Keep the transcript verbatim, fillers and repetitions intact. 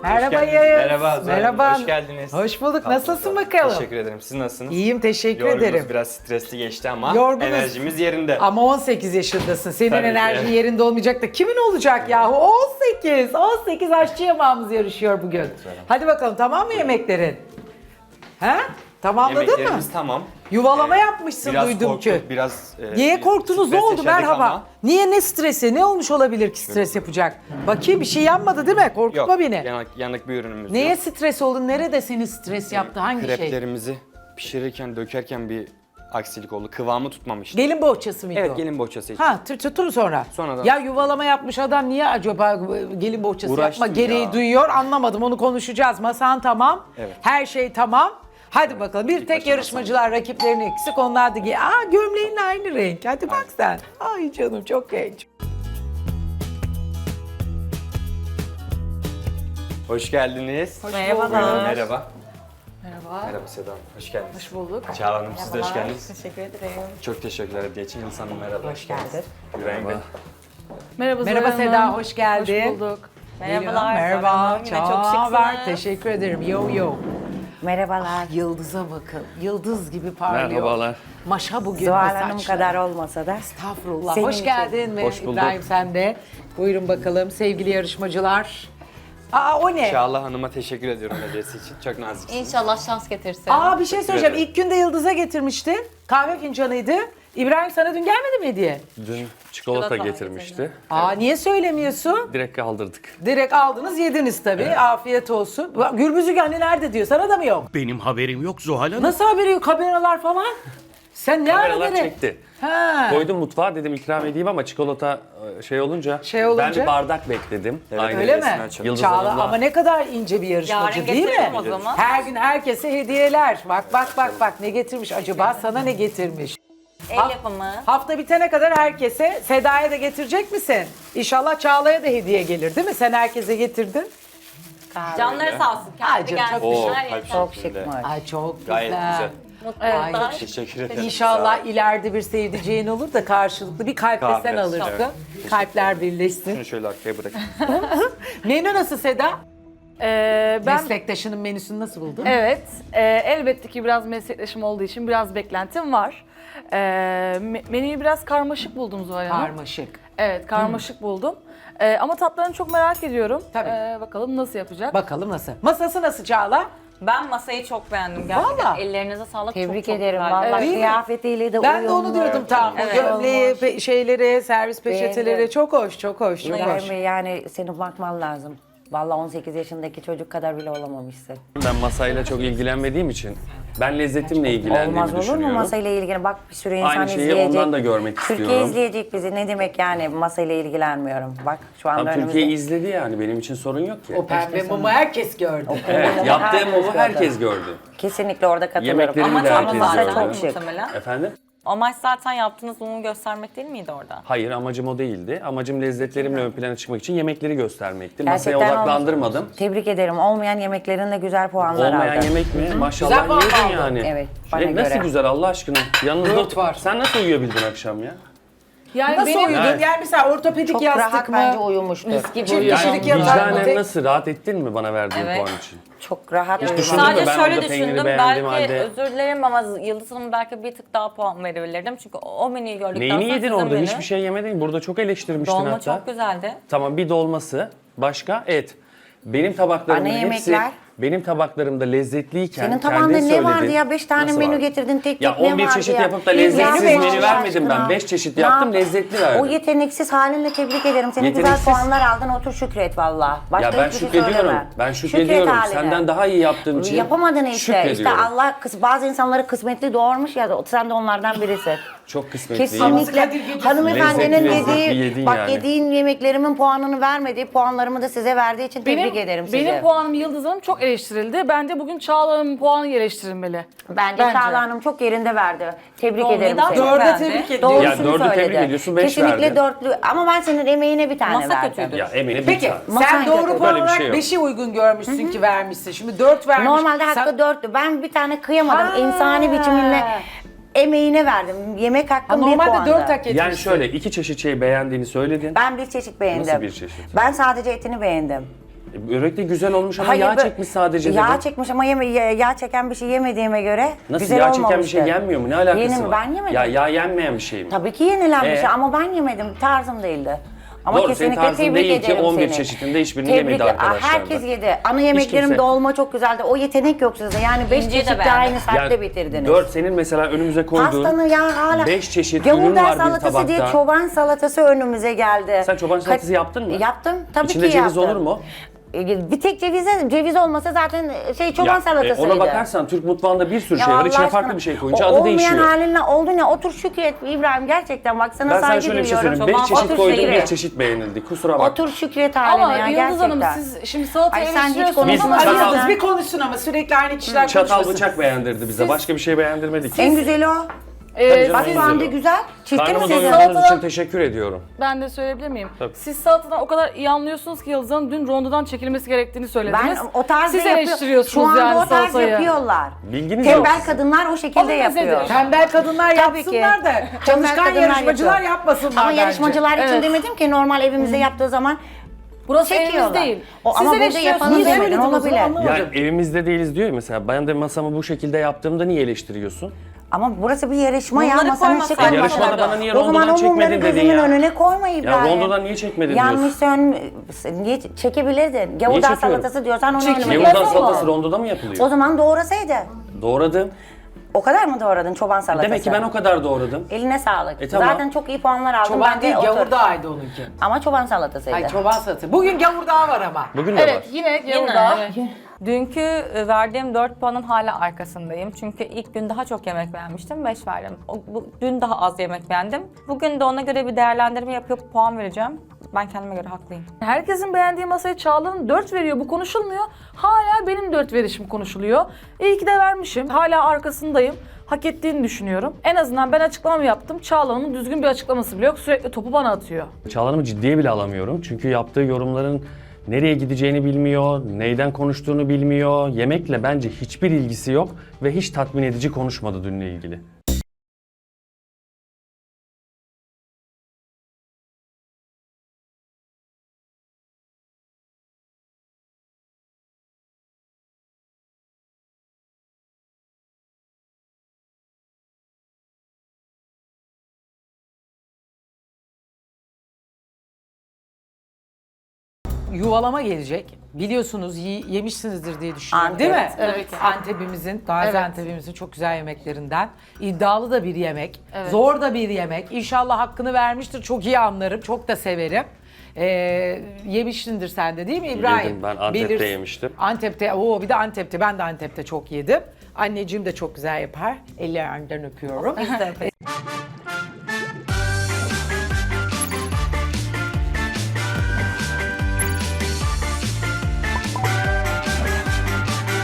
Merhaba geldiniz. Yağız. Merhaba Zuhal Hanım, Merhaba. hoş geldiniz. Hoş bulduk. Tatlınız Nasılsın var. bakalım? Teşekkür ederim. Siz nasılsınız? İyiyim, teşekkür Yorgunuz, ederim. biraz stresli geçti ama Yorgunuz. enerjimiz yerinde. Ama on sekiz yaşındasın. Senin Tabii ki. enerjin yerinde olmayacak da kimin olacak yahu? on sekiz. on sekiz aşçı yamağımız yarışıyor bugün. Evet, Hadi bakalım, tamam mı yemeklerin? He? Tamamladın mı? Yemeklerimiz tamam. Yuvalama Ee, yapmışsın biraz duydum korktuk, ki. Biraz e, Niye korktunuz? Ne stres oldu? yaşadık Merhaba. ama Niye, ne stresi? Ne olmuş olabilir ki stres yapacak? Bakayım, bir şey yanmadı değil mi? Korkutma Yok, beni. yanık, yanık bir ürünümüz Neye yok. stres oldun? Nerede seni stres yaptı? Hangi şey? Kreplerimizi pişirirken, dökerken bir aksilik oldu. Kıvamı tutmamıştı. Gelin bohçası mıydı o? Evet, gelin bohçası için. Ha, tut- tutun sonra. Sonradan. Ya yuvalama yapmış adam niye acaba gelin bohçası Uğraştım yapma gereği ya. duyuyor, anlamadım, onu konuşacağız. Masan tamam, Evet. her şey tamam. Hadi bakalım, bir İlk tek başta yarışmacılar rakiplerini eksik, onlar da giy. Aa, gömleğin aynı renk, hadi bak sen. Ay canım, çok genç. Hoş geldiniz. Merhabalar. Buyurun, merhaba. Merhaba. Merhaba Seda Hanım, hoş geldiniz. Hoş bulduk. Çağla Hanım, siz de hoş geldiniz. Teşekkür ederim. Çok teşekkürler Hediye için. Yıldız Hanım merhaba. Hoş geldin. Güven Bey. Merhaba Merhaba Zuhal Seda, Hanım. hoş geldin. Hoş bulduk. Merhabalar. Merhaba. Çok var. Teşekkür ederim. Yo yo. Merhabalar. Yıldız'a bakın. Yıldız gibi parlıyor. Merhabalar. Maşa bugün Zuhal bu Hanım saçlar. kadar olmasa da. Estağfurullah. Senin Hoş için. geldin Hoş bulduk. İbrahim, sen de. Buyurun bakalım sevgili yarışmacılar. Aa, o ne? Çağla Hanım'a teşekkür ediyorum hediyesi için. Çok naziksiniz. İnşallah şans getirsin. Aa, bir şey söyleyeceğim. ederim. İlk günde Yıldız'a getirmiştin. Kahve fincanıydı. İbrahim, sana dün gelmedi mi hediye? Dün çikolata Çikolata getirmişti. Aa, niye söylemiyorsun? Direkt kaldırdık. Direkt aldınız, yediniz tabii. Afiyet olsun. Bak, Gürbüzük anne nerede diyor. Sana da mı yok? Benim haberim yok Zuhal Hanım. Nasıl haberi yok? Kameralar falan. Sen ne ara Kameralar nereye? çekti. Ha. Koydum mutfağa, dedim ikram edeyim ama çikolata e, şey olunca, Şey olunca? ben bir bardak bekledim. Evet, Aynen. Öyle mi? Resmen çok- Yıldız Çağla Hanım'la- ama ne kadar ince bir yarışmacı Yarın değil mi? getiririm o zaman. Her gün herkese hediyeler. Bak bak bak bak, ne getirmiş acaba? Sana ne getirmiş? El yapımı. Hafta bitene kadar herkese, Seda'ya da getirecek misin? İnşallah Çağla'ya da hediye gelir değil mi? Sen herkese getirdin. Canları sağ olsun. Ay Kendi canım, çok gelsin. Oo, Her kalp yeter. Çok şeklinde. şıkmış. Ay çok güzel. Gayet güzel. Ay, Mutluluklar. Teşekkür ederim. İnşallah Sağ olun. ileride bir sevdiceğin olur da karşılıklı bir kalp de Kahve, sen alırsın. evet. Kalpler birleşsin. Şunu şöyle arkaya bırakın. Menü nasıl Seda? Ee, ben Meslektaşının menüsünü nasıl buldun? evet, e, elbette ki biraz meslektaşım olduğu için biraz beklentim var. Ee, me- menüyü biraz karmaşık buldum Zuhal Hanım. Karmaşık. Evet, karmaşık buldum. Ee, ama tatlarını çok merak ediyorum. Tabii. Ee, bakalım nasıl yapacak? Bakalım nasıl? Masası nasıl Çağla? Ben masayı çok beğendim gerçekten. Vallahi. Ellerinize sağlık. Tebrik çok, çok ederim. güzeldi. Vallahi Değil mi? kıyafetiyle de Ben de onu uyumlu. diyordum tam. Evet. Gömleği, pe- şeyleri, servis peçeteleri Beğendim. çok hoş, çok hoş, çok hoş. İbrahim Bey, yani seni bakman lazım. Vallahi on sekiz yaşındaki çocuk kadar bile olamamışsın. Ben masayla çok ilgilenmediğim için, ben lezzetimle ilgilendiğimi Olmaz olur mu düşünüyorum. masayla ilgili? Bak, bir sürü insan Aynı şeyi izleyecek. ondan da görmek Türkiye istiyorum. izleyecek bizi. Ne demek yani masayla ilgilenmiyorum? Bak şu anda Tam önümüzde. Türkiye izledi yani, benim için sorun yok ki. O pembe mumu herkes gördü. Evet, yaptığım mumu gördü. herkes gördü. Kesinlikle orada katılıyorum. Yemeklerimi Ama de tam herkes masa zaten gördü. çok şık. muhtemelen. Efendim? Amaç zaten yaptığınız mumu göstermek değil miydi orada? Hayır, amacım o değildi. Amacım lezzetlerimle ön plana çıkmak için yemekleri göstermekti. Masaya Gerçekten odaklandırmadım. olmuş. Tebrik ederim. Olmayan yemeklerinle güzel puanlar Olmayan aldın. yemek mi? Güzel Maşallah puan yedin aldın. yani. Evet, bana E, nasıl göre. güzel Allah aşkına? Yanınızda Dört var. Sen nasıl uyuyabildin akşam ya? Yani Nasıl benim uyudun? Evet. Yani mesela ortopedik Çok yastık rahat mı? bence uyumuştur. Çift Yani kişilik yatak mı? vicdanen Tek- nasıl? Rahat ettin mi bana verdiğin Evet. puan için? Çok rahat Hiç uyumuş. düşündün mü? Sadece Ben şöyle orada peyniri düşündüm. beğendiğim Belki halde- özür dilerim ama Yıldız Hanım belki bir tık daha puan verebilirdim. Çünkü o menüyü gördükten Neyini sonra yedin sizin orada? menü- Hiçbir şey yemedin. Burada çok eleştirmiştin Dolma hatta. çok güzeldi. Tamam, bir dolması. Başka? Et. Benim tabaklarımın Ana hepsi... yemekler. Benim tabaklarımda lezzetliyken Senin kendin tabağında ne söyledin. vardı ya? Beş tane Nasıl menü vardı? getirdin, tek Ya tek ne on bir vardı çeşit ya? yapıp da Ya lezzetsiz beş menü Allah vermedim ben. aşkına. Beş çeşit Ne yaptım, yap- lezzetli verdim. O yeteneksiz halinle tebrik ederim. Seni güzel Yeteneksiz. puanlar aldın, otur şükret valla. Başka Ya ben hiçbir şey şükrediyorum. söyleme. Ben Şükret şükrediyorum. haline. Senden daha iyi yaptığım için Yapamadın işte. İşte şükrediyorum. Allah kıs bazı insanları kısmetli doğurmuş ya, sen de onlardan birisin. Çok kısmetliyim. Kesinlikle hanımefendinin Lezzetli lezzetli yedin dediği, bak yani. yediğin yemeklerimin puanını vermediği, puanlarımı da size verdiği için tebrik ederim sizi. Benim puanım Yıldız Hanım çok eleştirildi. Bence bugün Çağla Hanım'ın puanı eleştirilmeli. Bence, Bence. Çağla Hanım çok yerinde verdi. Tebrik Dolmayı ederim daha seni. çok Dörde beğendi. tebrik ediyorum. Doğrusunu Ya dördü söyledi. tebrik ediyorsun, beş Kesinlikle verdin. dörtlü ama ben senin emeğine bir tane Masa verdim. kötüydü. Ya emeğine bir Peki tane. sen Masayla doğru kötü. puan Böyle bir olarak şey yok. beşi uygun görmüşsün ki vermişsin. Şimdi dört vermiş. Normalde hakkı Sen- dörtlü. Ben bir tane kıyamadım. Ha. İnsani biçimimle emeğine verdim. Yemek Ha, hakkım bir puandı. normalde dört hak etmişsin. Yani şöyle iki çeşit şey beğendiğini söyledin. Ben bir çeşit beğendim. Nasıl bir çeşit? Ben sadece etini beğendim. Börek de güzel olmuş ama Hayır, yağ bö- çekmiş sadece Yağ dedim. çekmiş ama yeme yağ çeken bir şey yemediğime göre Nasıl güzel yağ çeken bir olmamıştı. şey yenmiyor mu? Ne alakası Yeni mi? var? Ben yemedim. Ya yağ yenmeyen bir şey mi? Tabii ki yenilen bir Ee? şey ama ben yemedim. Tarzım değildi. Ama Doğru, senin kesinlikle tarzın tebrik değil ki ederim on bir seni. çeşitinde hiçbirini Tebrik- yemedi Aa, arkadaşlar Herkes da. yedi. Ana yemeklerim kimse. dolma çok güzeldi. O yetenek yok sizde. Yani beş İnciyi de çeşit de beğendim. aynı saatte bitirdiniz. dört senin mesela önümüze koyduğun Pastanı ya hala beş çeşit ürün gavurdan var bir salatası diye tabakta. çoban salatası önümüze geldi. Sen çoban salatası Ka- yaptın mı? Yaptım. Tabii İçinde ki ceviz yaptım. olur mu? E, Bir tek cevize, ceviz olmasa zaten şey çoban Ya, e, salatasıydı. ona bakarsan Türk mutfağında bir sürü Ya şey var. Allah İçine aşkına, farklı bir şey koyunca o adı olmayan değişiyor. halinle oldu ne? Otur şükret İbrahim gerçekten bak sana Ben sana saygı şöyle bir şey duyuyorum. söyleyeyim. Beş Çoban çeşit otur koydum, şükret. bir çeşit beğenildi. Kusura bak. Otur şükret haline Ama ya Yıldız gerçekten. Hanım siz şimdi salatayı Ay, sen hiç eleştiriyorsunuz Biz ama çatal- Yıldız bir konuşsun ama sürekli aynı kişiler Çatal konuşmasın. bıçak beğendirdi bize. Başka bir şey beğendirmedik. En güzeli o. Ee, Tabii canım, Bak en şu anda güzeli o. güzel. Çifte mi Karnımı sizin? doyurduğunuz Salatadan- için teşekkür ediyorum. ben de söyleyebilir miyim? Tabii. Siz salatadan o kadar iyi anlıyorsunuz ki Yıldız Hanım dün rondodan çekilmesi gerektiğini söylediniz. Ben o tarzda Siz yapıyor- eleştiriyorsunuz Şu anda yani o tarz salatayı. yapıyorlar. Bilginiz yok. Tembel kadınlar o şekilde O bir yapıyor. mezedir. Tembel kadınlar Tabii yapsınlar ki. da Tembel çalışkan kadınlar yarışmacılar yapıyor. yapmasınlar Ama bence. yarışmacılar için Evet. demedim ki normal evimizde yaptığı zaman Burası evimiz çekiyorlar. değil. O, Siz ama burada eleştiriyorsunuz. yapanı Niye demedin söylediniz o olabilir. zaman? Ya evimizde değiliz diyor ya mesela. Ben de masamı bu şekilde yaptığımda niye eleştiriyorsun? Ama burası bir yarışma ya Bunları masanın koymasaydın şık E, olması yarışmada lazım. bana niye O zaman rondodan o mumları çekmedin dedin gözümün ya? önüne koyma İbrahim. rondodan niye çekmedin Yanlış diyorsun? sön... Niye çekebilirdin? Gavurdan çekiyorum? salatası diyorsan onu Çek- önüme Yavuzdan getir. salatası rondoda mı O yapılıyor? zaman doğrasaydı. Doğradım. O kadar mı doğradın çoban salatası? Demek ki ben o kadar doğradım. Eline sağlık. E, tamam. Zaten çok iyi puanlar aldım. Çoban ben değil de otur. gavurdağıydı onunki. Ama çoban salatasıydı. Ay çoban salatası. Bugün gavurdağı var ama. Bugün de var. Evet yine Yıldız'da. Dünkü e, verdiğim dört puanın hala arkasındayım. Çünkü ilk gün daha çok yemek beğenmiştim, beş verdim. O, bu, dün daha az yemek beğendim. Bugün de ona göre bir değerlendirme yapıp puan vereceğim. Ben kendime göre haklıyım. Herkesin beğendiği masaya Çağla'nın dört veriyor. Bu konuşulmuyor. Hala benim dört verişim konuşuluyor. İyi ki de vermişim. Hala arkasındayım. Hak ettiğini düşünüyorum. En azından ben açıklamamı yaptım. Çağla'nın düzgün bir açıklaması bile yok. Sürekli topu bana atıyor. Çağlan'ımı ciddiye bile alamıyorum. Çünkü yaptığı yorumların nereye gideceğini bilmiyor, neyden konuştuğunu bilmiyor. Yemekle bence hiçbir ilgisi yok ve hiç tatmin edici konuşmadı dünle ilgili. Yuvalama gelecek. Biliyorsunuz yi- yemişsinizdir diye düşünüyorum Antep. değil mi? Evet. Antep'imizin, Gaziantep'imizin çok güzel yemeklerinden. İddialı da bir yemek. Evet. Zor da bir yemek. İnşallah hakkını vermiştir. Çok iyi anlarım. Çok da severim. Ee, yemişsindir sen de değil mi İbrahim? Yedim, ben Antep'te Bilirsin. yemiştim. Antep'te, oo bir de Antep'te. Ben de Antep'te çok yedim. Anneciğim de çok güzel yapar. Ellerinden öpüyorum. Biz de